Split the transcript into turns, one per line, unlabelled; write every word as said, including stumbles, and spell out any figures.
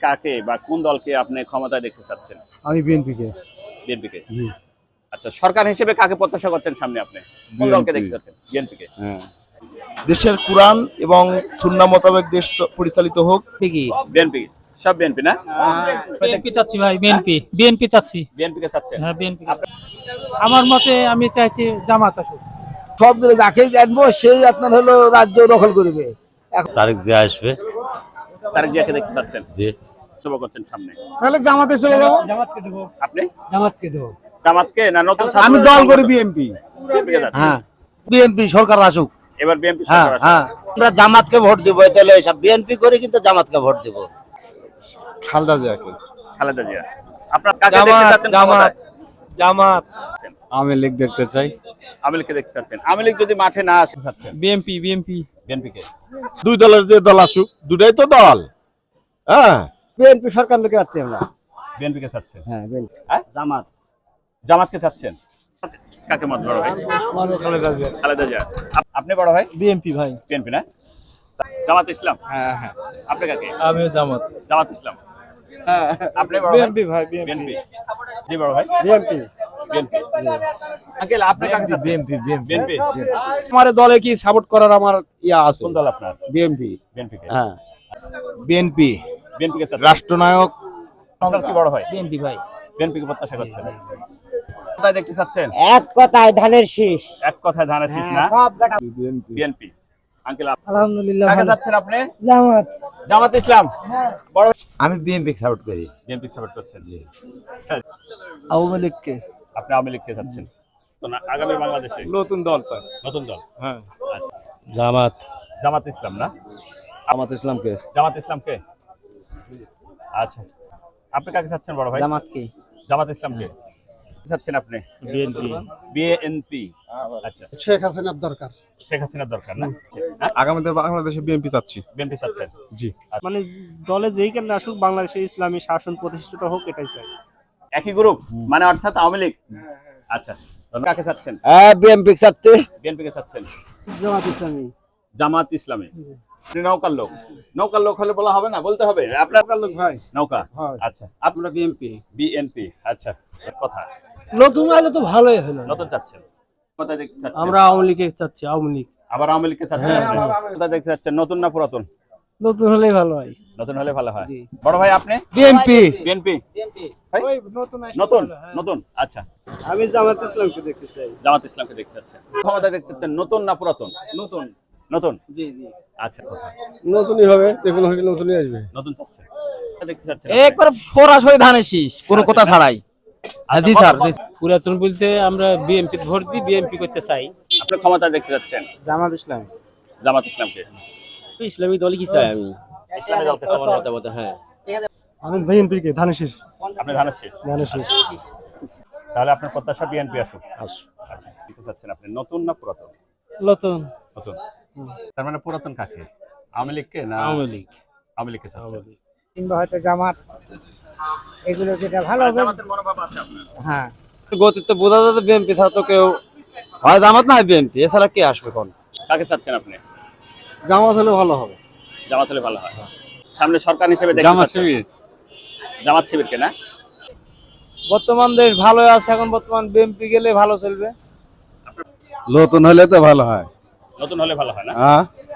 কাকে বা কোন দলকে আপনি ক্ষমতায় দেখতে চাচ্ছেন?
আমি বিএনপি কে।
বিএনপি কে।
জি।
আচ্ছা, সরকার হিসেবে কাকে প্রত্যাশা করছেন সামনে আপনি? কোন দলকে দেখতে চাচ্ছেন? বিএনপি কে।
হ্যাঁ। দেশের কুরআন এবং সুন্নাহ মোতাবেক দেশ পরিচালিত হোক।
বিএনপি। সব বিএনপি না?
বিএনপি চাচ্ছি ভাই, বিএনপি বিএনপি চাচ্ছি।
বিএনপি কে চাচ্ছেন?
হ্যাঁ, বিএনপি। আমার মতে আমি চাইছি জামাত আসুক।
সবগুলো যাকে জানবো সেই আপনার হলো রাজ্য দখল করবে।
তারেক জিয়া আসবে।
তারেক জিয়াকে দেখতে চাচ্ছেন?
জি।
তবে করছেন সামনে।
তাহলে জামাতে চলে যাব।
জামাতকে দেব।
আপনি?
জামাতকে দেব।
জামাতকে না নতুন?
আমি দল করি বিএনপি।
বিএনপি কে চাচ্ছেন?
হ্যাঁ। বিএনপি সরকার আসুক।
এবার বিএনপি
হ্যাঁ
সরকার
হ্যাঁ।
আমরা জামাতকে ভোট দিব, তাহলে সব বিএনপি করে কিন্তু জামাতকে ভোট দিব।
খালেদা জিয়াকে।
খালেদা জিয়া। আপনার কাকে দেখতে চাচ্ছেন?
জামাত জামাত
আমি লীগ দেখতে চাই।
আওয়ামী লীগকে দেখতে চাচ্ছেন? আওয়ামী লীগ যদি মাঠে না আসে চাচ্ছেন?
বিএনপি বিএনপি
বিএনপি কে।
দুই দলের যে দল আসুক, দুটাই তো দল। হ্যাঁ,
বিএনপি সরকার লোকে যাচ্ছে আমরা।
বিএনপি কে চাচ্ছেন?
হ্যাঁ বিএনপি।
হ্যাঁ?
জামাত।
জামাতকে চাচ্ছেন? কাকে মত বড় ভাই?
আমারও খালেদা জিয়া।
খালেদা জিয়া। আপ- আপনি বড় ভাই?
বিএনপি ভাই।
বিএনপি না? জামাত ইসলাম।
হ্যাঁ হ্যাঁ।
আপনি কাকে?
আমিও জামাত।
জামাত ইসলাম। আপনি বড় ভাই?
বিএনপি ভাই,
বিএনপি। জি বড় ভাই?
বিএনপি।
বিএনপি। আঙ্কেল আপনি কাকে চাচ্ছেন?
BNP
BNP.
আমার দলে কি সাপোর্ট করার আমার ইয়া আছে।
কোন দল আপনার?
বিএনপি।
বিএনপি কে।
হ্যাঁ। বিএনপি
বিএনপি কে চাচ্ছেন?
রাষ্ট্রনায়ক।
আপনার কি বড় ভাই?
বিএনপি ভাই।
বিএনপি কে প্রত্যাশা করছেন? কোথায় দেখতে চাচ্ছেন?
এক কথায় ধানের শীষ।
এক কথায় ধানের শীষ না?
সব বেটা
বিএনপি। আঙ্কেল আপনি
আলহামদুলিল্লাহ
কাকে
ভালো।
চাচ্ছেন আপনি?
জামাত।
জামাত ইসলাম। বড়
আমি বিএনপি সাপোর্ট করি।
বিএনপি সাপোর্ট করছেন? জি।
আওয়ামী লীগকে।
আপনি আওয়ামী লীগকে চাচ্ছেন? তো না, আগামী বাংলাদেশে
নতুন দল চাই।
নতুন দল।
হ্যাঁ।
আচ্ছা।
জামাত।
জামাত ইসলাম না?
জামাত ইসলামকে।
জামাত ইসলামকে। আচ্ছা, আপনি কাকে চাচ্ছেন বড় ভাই?
জামাতকে।
জামাত ইসলামকে চাচ্ছেন আপনি?
বিএনপি।
বিএনপি। আচ্ছা,
শেখ হাসিনার দরকার।
শেখ হাসিনার দরকার না?
আগামীতে বাংলাদেশে বিএনপি চাচ্ছি।
বিএনপি চাচ্ছেন?
জি।
মানে দলে যেই কেন আসুক বাংলাদেশে ইসলামী শাসন প্রতিষ্ঠিত হোক এটাই চাই।
একই গ্রুপ মানে অর্থাৎ আওয়ামী লীগ। আচ্ছা, কাকে চাচ্ছেন?
হ্যাঁ বিএনপি চাচ্ছে।
বিএনপি কে চাচ্ছেন?
জামাত ইসলামী।
জামাত ইসলামী। আপনি নৌকার লোক। নৌকার লোক হলে বলা হবে না, বলতে হবে আপনার
লোক ভাই
নৌকা। আচ্ছা,
আমরা বিএনপি।
বিএনপি। আচ্ছা, কথা
নতুন আইলে তো ভালোই হলো।
নতুন চাচ্ছেন? কোথায় দেখতে চাচ্ছেন?
আমরা আওয়ামী লীগে চাচ্ছি, আওয়ামী লীগ।
আবার আওয়ামী লীগকে চাচ্ছেন আপনি? কোথায় দেখতে চাচ্ছেন, নতুন না পুরাতন?
নতুন হলেই ভালো হয়।
নতুন হলে ভালো হয়। বড় ভাই আপনি?
বিএনপি।
বিএনপি।
ওই নতুন
নতুন নতুন। আচ্ছা,
আমি জামাত ইসলামকে দেখতে চাই।
জামাত ইসলামকে দেখতে চাচ্ছেন? ক্ষমতা দেখতে চাচ্ছেন নতুন না পুরাতন?
নতুন।
নতুন।
জি জি।
আচ্ছা, কথা
নতুনই হবে, যে কোনো হলে নতুনই আসবে।
নতুন চাচ্ছেন? দেখতে চাচ্ছেন?
একবার সরাসরি ধানের শীষ, কোনো কথা ছাড়াই। জি স্যার। পুরাতন বলতে আমরা বিএনপি ভোট দিই, বিএনপি করতে চাই।
আপনি ক্ষমতা দেখতে চাচ্ছেন?
জামাত ইসলাম।
জামাত ইসলামকে।
ইসলামী দলই কি চাই আমি?
ইসলামী দলকে
আমার
চাচ্ছেন?
মতামত, হ্যাঁ।
আমি বিএনপি কে ধানের শীষ।
আপনি ধানের শীষ।
ধানের শীষ।
তাহলে আপনার প্রত্যাশা বিএনপি আসুক। আচ্ছা, কি চাচ্ছেন আপনি, নতুন না পুরাতন?
নতুন।
নতুন। তার মানে পুরাতন কাকে? আওয়ামী লীগকে না?
আওয়ামী লীগ।
আওয়ামী লীগকে চাচ্ছেন?
কিংবা হয়তো জামাত, এগুলো যেটা ভালো হবে।
জামাতের মনোভাব আছে আপনার?
হ্যাঁ।
গতিতে বোঝা যাচ্ছে বিএনপি ছাড়া তো কেউ হয় জামাত না হয় বিএনপি, এছাড়া কে আসবে কোন?
কাকে চাচ্ছেন আপনি?
জামাত হলে ভালো হবে।
জামাত হলে ভালো হয়। সামনে সরকার হিসেবে দেখতে
জামাত
চাচ্ছেন?
শিবির।
জামাত শিবিরকে না?
বর্তমান দেশ ভালো আছে, এখন বর্তমান বিএনপি গেলে ভালো চলবে।
নতুন হলে তো ভালো হয়।
নতুন হলে ভালো হয় না?
হ্যাঁ।